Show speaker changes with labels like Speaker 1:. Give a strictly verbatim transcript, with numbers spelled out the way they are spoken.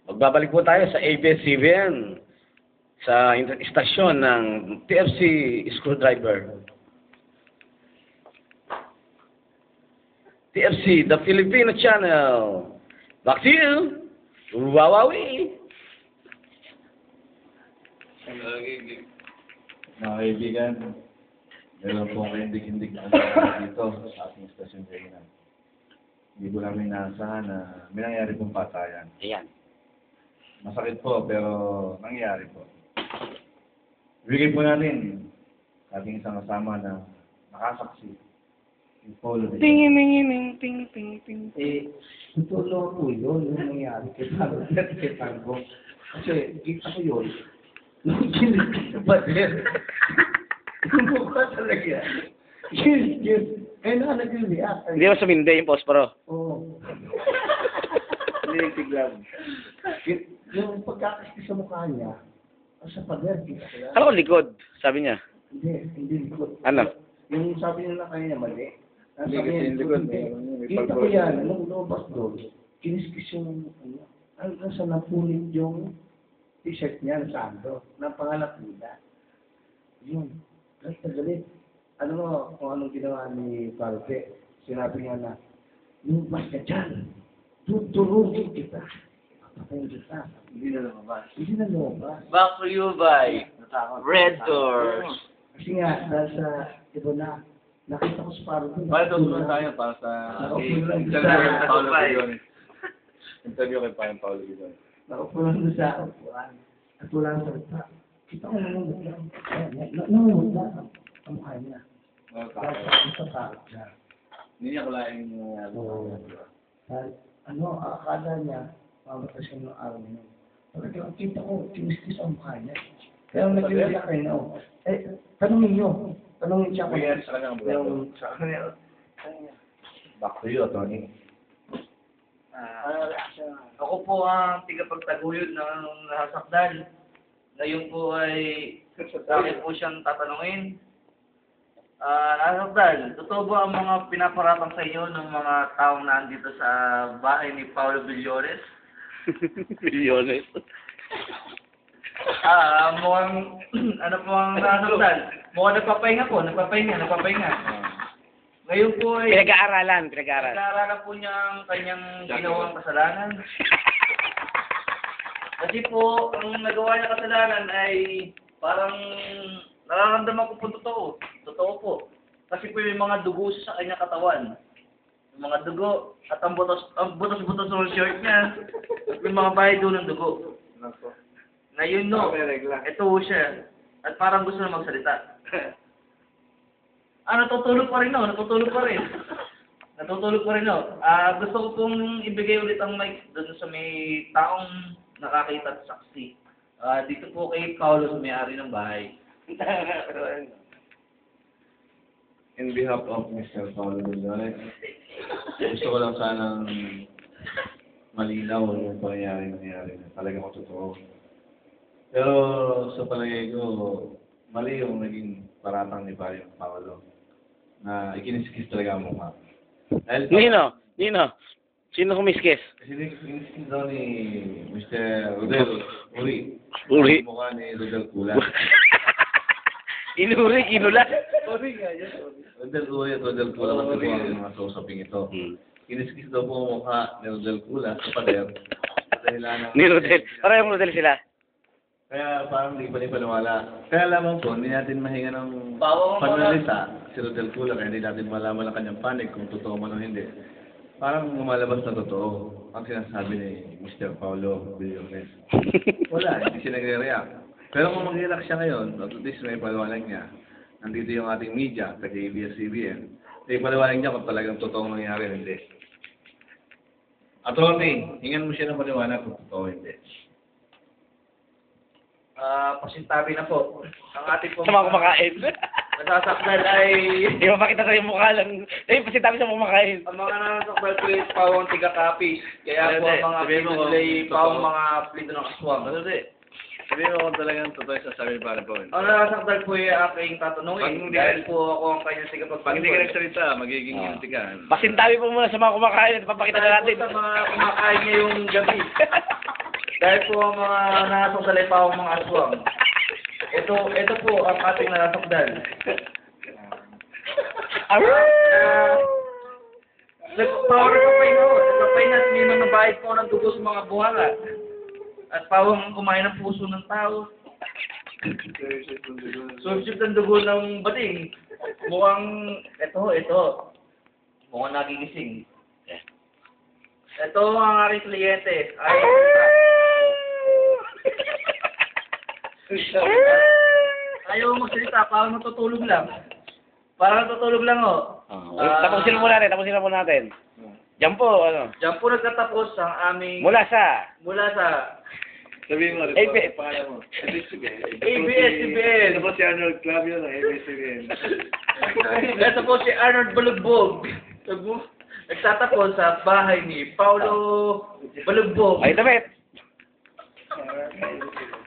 Speaker 1: Magbabalik po tayo sa A B S C B N sa istasyon ng T F C Screwdriver. T F C, the Filipino Channel. Back to you. Wawawi.
Speaker 2: Mga kaibigan, meron po kayong hindig-hindig na kasama dito sa ating stasyon ngayon. Hindi po namin inaasahan na may nangyari pong patayan.
Speaker 1: Ayan.
Speaker 2: Masakit po, pero nangyari po. Ibigay po natin sa ating isang kasama na nakasaksi. Si Paulo.
Speaker 3: Ting, ting, ting, ting, ting, ting.
Speaker 4: Eh, tutulong po yun, yung nangyari kay Tango, kay Tango. Kasi, kita ko yun, nung kilig sa pader, yung mukha talaga, kilig yun, eh na nag-react.
Speaker 1: Hindi mo sumindi yung posporo.
Speaker 4: Oo.
Speaker 2: Hindi tiglan.
Speaker 4: Y- Yung pagkakasti sa mukha niya, sa pader, kita ko yan.
Speaker 1: Ano ko likod? Sabi niya.
Speaker 4: Hindi, hindi likod.
Speaker 1: Ano?
Speaker 4: Yung sabi nila kanya mali. Ang
Speaker 2: Hindi
Speaker 4: sabi
Speaker 2: kasi
Speaker 4: niya,
Speaker 2: yung likod,
Speaker 4: hindi.
Speaker 2: may- may
Speaker 4: Kita ko
Speaker 2: pagbawas.
Speaker 4: yan, nung lumabas doon, kiniskis yung, ano, hanggang sa napulit yung t-shirt niya na sando, ng pangalap nila. Yun, galit na galit. Ano mo, kung anong ginawa ni Parpe, sinabi niya na, lumabas ka dyan, tutulungin kita. Papatayin kita.
Speaker 2: Hindi na lumabas.
Speaker 4: Hindi na lumabas.
Speaker 3: Back to you by Red Doors.
Speaker 4: Kasi nga, dahil sa, iba na, nakita ko sa Parpe.
Speaker 2: Para tutulungan tayo para sa
Speaker 4: Nakaupo lang
Speaker 2: interview
Speaker 4: sa-
Speaker 2: kay Paolo Bigones. Interview kay Paolo Paolo Bigones.
Speaker 4: Nakaupo lang doon sa upuan. At wala ang salita. Kita ko namumot lang. Namumot lang ang ang mukha niya. Dahil sa takot niya.
Speaker 2: Hindi niya kulaing nangyari.
Speaker 4: Oo. Dahil, ano, akala niya, mamatay siya ng araw niya. Talagang kita ko, tinis-tis ang mukha niya. Kaya nag-iwala kayo na, oh. Eh, tanongin niyo. Tanongin siya kung
Speaker 2: Nangyari sa kanya ang buwan.
Speaker 4: yung sa kanya.
Speaker 2: Back to you, Tony.
Speaker 3: Ah, ako po ang tigapagtaguyod ng nasakdal. Ngayon po ay sa akin po siyang tatanungin. Ah, nasakdal, totoo ba ang mga pinaparatang sa inyo ng mga taong nandito sa bahay ni Paulo Villones?
Speaker 1: Milyones.
Speaker 3: Ah, mukhang, ano po ang nasakdal? Mukhang nagpapahinga po, nagpapahinga, nagpapahinga. Ngayon po ay
Speaker 1: Pinag-aaralan, pinag-aaralan.
Speaker 3: nag-aaralan po niya ang kanyang ginawang kasalanan. Kasi po, ang nagawa niya kasalanan ay parang nararamdaman ko po totoo. Totoo po. Kasi po yung mga dugo sa kanyang katawan. Yung mga dugo at ang butos, ang butos-butos ng shirt niya. At yung mga bahay doon ng dugo. Ngayon no, ito po siya. At parang gusto na magsalita. Ah, natutulog pa rin no, natutulog pa rin. Natutulog pa rin no. Ah, gusto ko pong ibigay ulit ang mic doon sa may taong nakakita at saksi. Ah, dito po kay Paulo sa may-ari ng bahay.
Speaker 2: In behalf of Mister Paolo Bigones, gusto ko lang sanang malinaw yung pangyayari nangyari na talaga ko totoo. Pero sa palagay ko, mali yung naging paratang ni Paolo Paolo na ikiniskis talaga ang mukha. Dahil
Speaker 1: Nino, Nino. Sino kumiskis?
Speaker 2: kasi ikiniskis daw ni Mister Rodel Uri.
Speaker 1: Uri.
Speaker 2: Ang mukha ni Rodel Kula.
Speaker 1: Inuri, inulat.
Speaker 2: Rodel Uri at Rodel Kula kasi po ang mga kausaping ito.
Speaker 1: Hmm.
Speaker 2: Kiniskis daw po ang mukha ni Rodel Kula sa pader. Sa dahilan ng...
Speaker 1: Ni Rodel. Parang Rodel sila.
Speaker 2: Kaya parang hindi pa rin paniwala. Kaya lamang po, hindi natin mahinga ng
Speaker 3: Bawang
Speaker 2: panalita si Rodel Kula kaya hindi natin malaman ang kanyang panig kung totoo man o hindi. Parang lumalabas na totoo ang sinasabi ni Mister Paolo Villones. Wala, hindi siya nagre-react. Pero kung mag-react siya ngayon, at least may paliwanag niya, nandito yung ating media, kaya A B S C B N, may paliwanag niya kung talagang totoong nangyari o hindi. Attorney, hingan mo siya ng paliwanag kung totoo o hindi.
Speaker 3: Ah, pasintabi na po. Ang ating pong
Speaker 1: Sa mga kumakain.
Speaker 3: nasasakdal ay
Speaker 1: Di ba makita sa yung mukha lang. Eh, pasitabi sa mga kumakain.
Speaker 3: ang mga nasasakdal po ay pawang tiga-kapis. Kaya po ang mga
Speaker 2: Sabihin mo
Speaker 3: plito
Speaker 2: kung
Speaker 3: nila ay
Speaker 2: totoo.
Speaker 3: pawang mga plito ng aswang.
Speaker 2: Ano di? Sabihin mo kung talagang totoo yung sasabi ni Pare Paul.
Speaker 3: Ang nasasakdal po ay aking
Speaker 2: Pag
Speaker 3: tatanungin.
Speaker 2: hindi
Speaker 3: Dahil
Speaker 2: ka-
Speaker 3: po ako ang kanyang tigapagpagpag.
Speaker 2: Pag hindi ka nagsalita, magiging
Speaker 1: Ah.
Speaker 2: guilty ka.
Speaker 1: Pasintabi po muna sa mga kumakain at papakita na natin.
Speaker 3: Sa mga kumakain ngayong gabi. Dahil po ang mga nasasakdalay pa ang mga aswang. Ito, ito po ang ating nasasakdal. Uh, Nagpower ka pa yun. Nagpapay na may mga bayad po ng dugo sa mga buhanga. At pawang kumain ng puso ng tao. Subsip ng dugo ng bading. Mukhang, ito, ito. Mukhang nagigising. Ito ang aking kliyente. Ay, ayaw magsalita, parang natutulog lang. Parang natutulog lang, oh.
Speaker 1: Oh, tapusin na muna natin, tapusin na muna natin. Diyan po, ano?
Speaker 3: Diyan po nagtatapos ang aming...
Speaker 1: Mula sa
Speaker 3: Mula sa
Speaker 2: Sabihin mo,
Speaker 1: A B S.
Speaker 2: pangalan mo. A B S C B N.
Speaker 3: A B S C B N.
Speaker 2: Ito po si Arnold Clavio ng A B S C B N.
Speaker 3: Ito po si Arnold Balugbog. Nagtatapos sa bahay ni Paulo Balugbog.
Speaker 1: ay damit.